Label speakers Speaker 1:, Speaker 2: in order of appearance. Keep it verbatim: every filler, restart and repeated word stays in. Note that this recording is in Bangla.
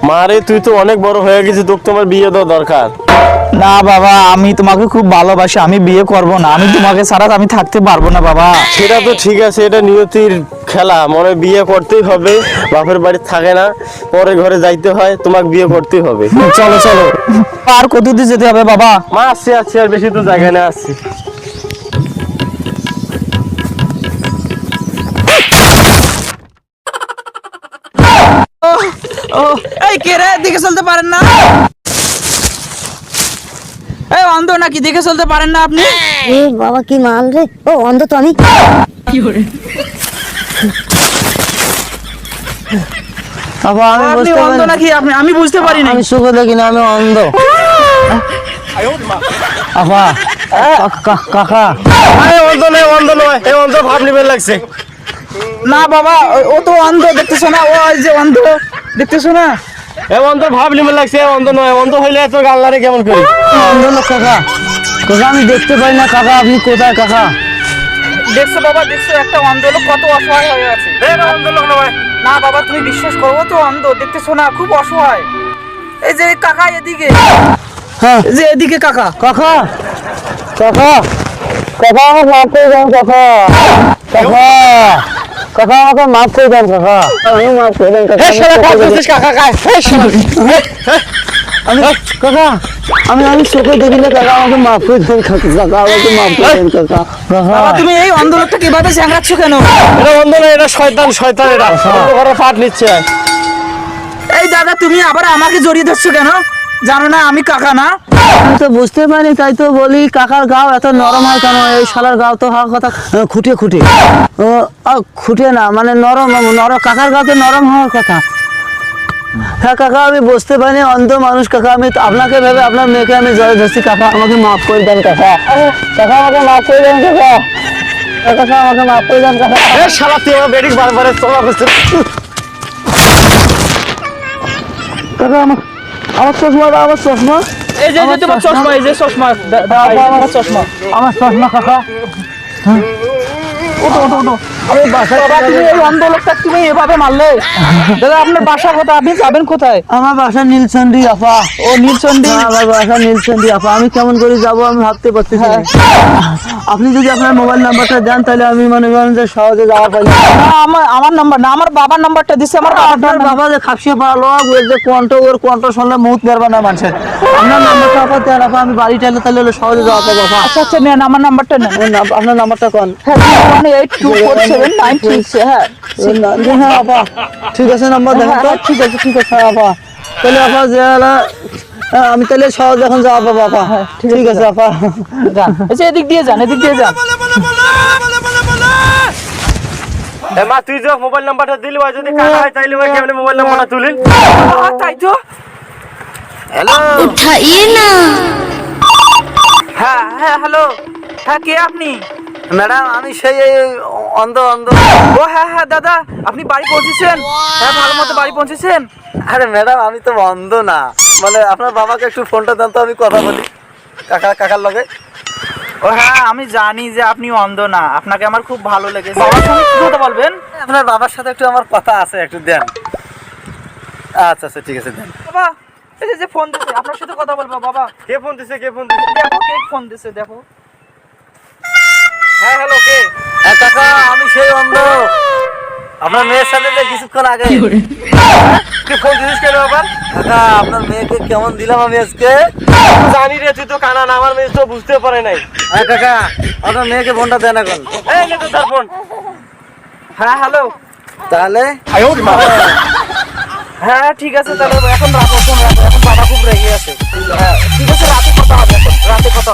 Speaker 1: মারে তুই তো অনেক বড় হয়ে গেছিস, তোকে তোমার বিয়ে দেওয়া দরকার।
Speaker 2: না বাবা, আমি তোমাকে খুব ভালোবাসি, আমি বিয়ে করব না, আমি তোমাকে ছাড়া আমি থাকতে পারবো না বাবা।
Speaker 1: সেটা তো ঠিক আছে, এটা নিয়তির খেলা, মনে বিয়ে করতেই হবে, বাপের বাড়ি থাকে না, পরে ঘরে যাইতে হয়, তোমাকে বিয়ে করতেই হবে।
Speaker 2: চলো চলো, আর কত দূর যেতে হবে বাবা?
Speaker 1: মা আসছি আসছি, আর বেশি তো জায়গা না, আসছি।
Speaker 2: ও এই কে রে, দিকে চলতে পারেন না? এই অন্ধ নাকি, দেখে চলতে পারেন না আপনি?
Speaker 3: এ বাবা কি মাল রে, ও অন্ধ তো আমি।
Speaker 2: কি করে
Speaker 4: বাবা আমি
Speaker 2: আপনি
Speaker 4: বুঝতে
Speaker 2: অন্ধ
Speaker 4: পারি
Speaker 2: নাকি? আপনি আমি বুঝতে পারি না।
Speaker 4: আমি চোখে দেখি না, আমি অন্ধ। আপা কা- কাকা
Speaker 1: আরে অন্ধ নয়, অন্ধ নয়, এই অন্ধ ভাব নিবেন লাগছে।
Speaker 2: না বাবা, ও- ও তো অন্ধ, দেখতেছো না? ও এই যে অন্ধ, দেখতেছো না?
Speaker 1: এ অন্ধ ভাব নিবেন লাগছে, এ অন্ধ নয়, অন্ধ হইলে এত গাল্লারে কেমন করি?
Speaker 4: অন্ধ লোক কাকা। কাকা আমি দেখতে পাই না কাকা, আপনি কোথায় কাকা?
Speaker 2: দেখছো বাবা, দেখছো একটা অন্ধ লোক কত অসহায় হয়ে আছে।
Speaker 1: অন্ধ লোক নয়।
Speaker 2: না বাবা, তুমি বিশ্বাস করো, ও তো অন্ধ, দেখতেছো না? খুব অসহায়। এই যে কাকা এদিকে,
Speaker 4: হ্যাঁ
Speaker 2: এই যে এদিকে কাকা।
Speaker 4: কাকা কাকা কাকা আমাকে মাফ করে দেন কাকা। কাকা কাকা আমাকে মাফ করে দেন কাকা, আমি মাফ করে দেন কাকা।
Speaker 1: কাকা কাকা,
Speaker 4: আমি কাকা আমি আমি চোখে দেখি না কাকা, আমাকে মাফ করে দেন কাকা। কাকা আমাকে মাফ করে দেন কাকা।
Speaker 2: বাবা
Speaker 4: কাকা
Speaker 2: তুমি এই অন্ধ লোকটা কিভাবে চ্যাংড়াচ্ছ কেন?
Speaker 1: এটা অন্ধ নয়, এটা শয়তান, শয়তান, এটা অন্ধ ঘরে পাট নিচ্ছে।
Speaker 2: এই দাদা, তুমি আবার আমাকে জড়িয়ে ধরছো কেন? জানো না আমি কাকা না?
Speaker 4: আমি তো বুঝতে পারি, তাই তো বলি কাকার গাও এত নরম হয় কেন? এই শালার গাও তো হওয়ার কথা খুঁটে খুঁটে, ও আহ, খুঁটে না মানে নরম, নরম কাকার গাও তো নরম হওয়ার কথা। হ্যাঁ কাকা আমি বুঝতে পারিনি, অন্ধ মানুষ কাকা, আমি তো আপনাকে ভেবে আপনার মেয়েকে আমি জয় ধরছি কাকা, আমাকে মাফ করে দেন কাকা। কাকা আমাকে মাফ করে দেন কাকা। কাকা আমাকে মাফ করে দেন কাকা।
Speaker 1: এ শালা তুই আমার বেডিক বারবার চলা করছিস।
Speaker 4: কাকা আমার আমার চশমা দাও, আমার চশমা,
Speaker 2: এই যে যে তোমার চশমা, এই যে চশমা, দা- দা- এই যে তোমার চশমা।
Speaker 4: আমার চশমা কাকা।
Speaker 2: ওঠো ওঠো ওঠো।
Speaker 4: আমি বাসায়
Speaker 2: বাবা তুমি এই অন্ধ লোকটা তুমি এভাবে মারলে? দাদা আপনার বাসা কোথায়? আপনি যাবেন কোথায়?
Speaker 4: আমার বাসা নীলচন্ডী আপা।
Speaker 2: ও নীলচন্ডী।
Speaker 4: হ্যাঁ, আমার বাসা নীলচন্ডী আপা, আমি কেমন করে যাবো আমি ভাবতে পারতেছি না। আপনি যদি আপনার মোবাইল নাম্বারটা দেন তাহলে আমি মনে করেন যে সহজে যাওয়া পাই।
Speaker 2: না আমার আমার নাম্বার না, আমার বাবার নাম্বারটা দিছে। আমার বাবার
Speaker 4: আপনার বাবা যে খাপসিয়ে পালো ওর যে কণ্ঠ, ওর কণ্ঠ শুনলে মুখ বেরবা না মানুষের। আপনার নাম্বারটা আপা দেন আপা, আমি বাড়ি চাইলে তাহলে হলে সহজে যাওয়া পাবো আপা।
Speaker 2: আচ্ছা আচ্ছা নেন, আমার নাম্বারটা নেন।
Speaker 4: আপনার নাম- আপনার নাম্বারটা কোন?
Speaker 2: হ্যাঁ one eight two four seven nine three হ্যাঁ
Speaker 4: হ্যাঁ আপা ঠিক আছে, নাম্বার দেখেন তো। ঠিক আছে ঠিক আছে আপা, তাহলে আপা যে হলো, হ্যাঁ, আমি তাহলে সহজ এখন যাওয়া পাবো আপা। ঠিক আছে আপা।
Speaker 2: যান, এই যে এদিক দিয়ে যান, এদিক দিয়ে যান।
Speaker 1: এ মা তুই যে মোবাইল নাম্বারটা দিলি, ওই যদি কাকা হয় তাইলে ওই কেমনে মোবাইল নাম্বারটা তুলিন?
Speaker 2: আহ, তাই তো।
Speaker 1: হ্যালো,
Speaker 3: উঠাইয়ে না।
Speaker 2: হ্যাঁ হ্যাঁ হ্যালো, হ্যাঁ কে আপনি?
Speaker 4: ম্যাডাম আমি সেই অন্ধ অন্ধ।
Speaker 2: ও হ্যাঁ হ্যাঁ দাদা, আপনি বাড়ি পৌঁছেছেন? হ্যাঁ ভালো মতো বাড়ি পৌঁছেছেন?
Speaker 4: আরে ম্যাডাম আমি তো অন্ধ না, মানে আপনার বাবাকে একটু ফোনটা দেন তো, আমি কথা বলি কাকা কাকার লগে।
Speaker 2: ও হ্যাঁ আমি জানি যে আপনি অন্ধ না, আপনাকে আমার খুব ভালো লেগেছে। বাবার সঙ্গে কি কথা বলবেন?
Speaker 4: আপনার বাবার সাথে একটু আমার কথা আছে, একটু দেন। আচ্ছা আচ্ছা ঠিক আছে দেন।
Speaker 2: বাবা এই যে- যে ফোন দিছে, আপনার সাথে কথা বলবো। বাবা
Speaker 1: কে ফোন দিছে, কে ফোন দিছে?
Speaker 2: দেখো কে ফোন দিছে, দেখো।
Speaker 1: হ্যাঁ হ্যালো, কে?
Speaker 4: হ্যাঁ কাকা আমি সেই অন্ধ, আপনার মেয়ের সাথে যে কিছুক্ষণ আগে।
Speaker 1: তুই ফোন দিছিস কেন আবার?
Speaker 4: কাকা আপনার মেয়েকে কেমন দিলাম আমি আজকে।
Speaker 1: জানি রে, তুই তো কানা না, আমার মেয়ে তো বুঝতে পারে নাই।
Speaker 4: হ্যাঁ কাকা আপনার মেয়েকে ফোনটা দেন এখন।
Speaker 1: এই নে তো তার ফোন।
Speaker 2: হ্যাঁ হ্যালো,
Speaker 4: তাহলে
Speaker 2: হ্যাঁ ঠিক আছে তাহলে এখন রাখো, ফোন রাখো, এখন বাবা খুব রেগে আছে। হ্যাঁ ঠিক আছে, রাতে কথা হবে, এখন রাতে কথা হবে।